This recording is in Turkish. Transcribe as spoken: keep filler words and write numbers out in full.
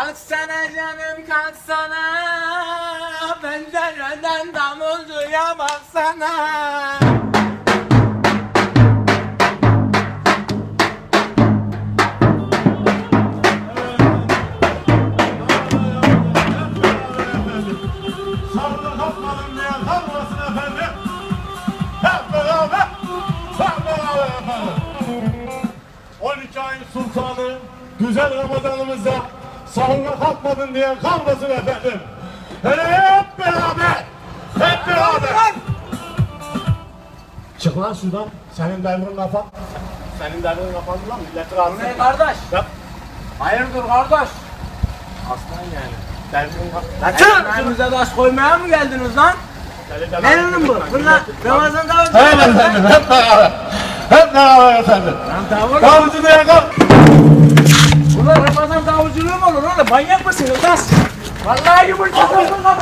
Kalksana canım kalksana, pencereden damulcuya baksana. Sarıda kalkmadım diye kalmasın efendim. Hep beraber, hep beraber efendim. on iki ayın sultanı, güzel Ramazanımızda sahurda kalkmadın diye kalmasın efendim. Hele hep beraber, hep beraber. Çık lan şuradan, senin devrin kafan. Senin devrin kafan lan, milleti rahatsız Ne etme. kardeş? Yap. Hayırdır kardeş? Aslan yani. Devrin kafan. Lan Çık! çık! Elimize taş koymaya mı geldiniz lan? Seni de- Ne ürün bu? Bunlar Ramazan davulcu. Evet efendim, hep beraber. Hep beraber efendim. Lan davul. Davulcu diye kalk. Bunlar Ramazan davulculuğu mu olur oğlum? Manyak mısınız lan? Vallahi yumurta kafana